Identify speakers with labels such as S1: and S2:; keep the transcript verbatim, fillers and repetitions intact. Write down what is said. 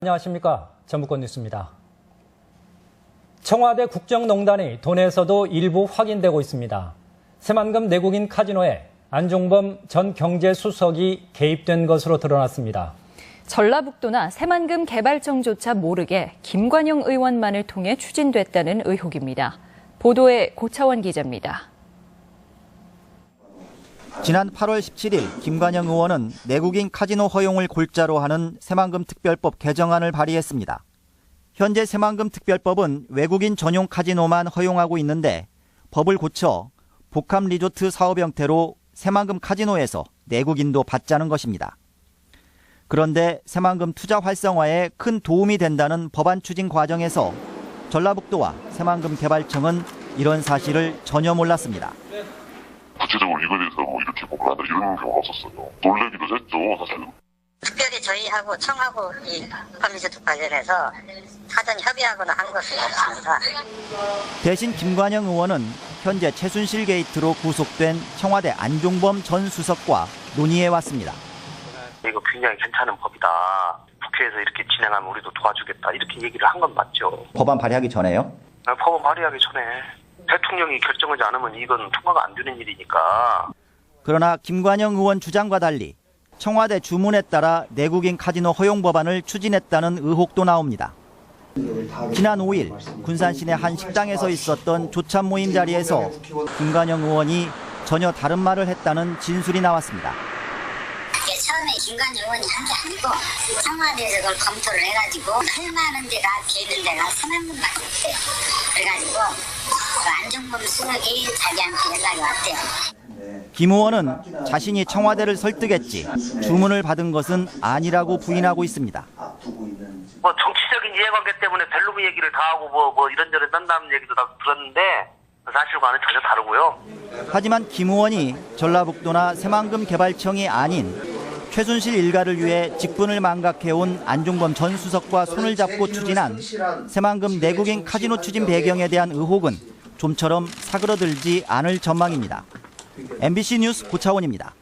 S1: 안녕하십니까. 전북권 뉴스입니다. 청와대 국정농단이 돈에서도 일부 확인되고 있습니다. 새만금 내국인 카지노에 안종범 전 경제수석이 개입된 것으로 드러났습니다.
S2: 전라북도나 새만금 개발청조차 모르게 김관영 의원만을 통해 추진됐다는 의혹입니다. 보도에 고차원 기자입니다.
S3: 지난 팔월 십칠일 김관영 의원은 내국인 카지노 허용을 골자로 하는 새만금 특별법 개정안을 발의했습니다. 현재 새만금 특별법은 외국인 전용 카지노만 허용하고 있는데 법을 고쳐 복합 리조트 사업 형태로 새만금 카지노에서 내국인도 받자는 것입니다. 그런데 새만금 투자 활성화에 큰 도움이 된다는 법안 추진 과정에서 전라북도와 새만금 개발청은 이런 사실을 전혀 몰랐습니다.
S4: 구체적으로 이거에 대해서 뭐 이렇게 보고 한다 이런 경우가 없었어요. 놀래기도 했죠, 사실은.
S5: 특별히 저희하고 청하고 이 법리조트 관련해서 사전 협의하거나 한 것은 없습니다.
S3: 대신 김관영 의원은 현재 최순실 게이트로 구속된 청와대 안종범 전 수석과 논의해 왔습니다.
S6: 이거 굉장히 괜찮은 법이다. 국회에서 이렇게 진행하면 우리도 도와주겠다. 이렇게 얘기를 한 건 맞죠.
S3: 법안 발의하기 전에요?
S6: 법안 발의하기 전에. 대통령이 결정하지 않으면 이건 통과가 안 되는 일이니까.
S3: 그러나 김관영 의원 주장과 달리 청와대 주문에 따라 내국인 카지노 허용 법안을 추진했다는 의혹도 나옵니다. 지난 오일 군산 시내 한 식당에서 있었던 조찬 모임 자리에서 김관영 의원이 전혀 다른 말을 했다는 진술이 나왔습니다.
S5: 처음에 김관영 의원이 한 게 아니고 청와대에서 그걸 검토를 해가지고 할 만한 데가 돼 있는 데가 새만금밖에 없대요. 그래가지고 그 안종범 수석이 자기한테 연락이 왔대요.
S3: 김 의원은 자신이 청와대를 설득했지 주문을 받은 것은 아니라고 부인하고 있습니다.
S6: 뭐 정치적인 이해관계 때문에 벨로비 얘기를 다 하고 뭐, 뭐 이런저런 딴다는 얘기도 다 들었는데 사실과는 전혀 다르고요.
S3: 하지만 김 의원이 전라북도나 새만금 개발청이 아닌 최순실 일가를 위해 직분을 망각해온 안종범 전 수석과 손을 잡고 추진한 새만금 내국인 카지노 추진 배경에 대한 의혹은 좀처럼 사그러들지 않을 전망입니다. 엠비씨 뉴스 고차원입니다.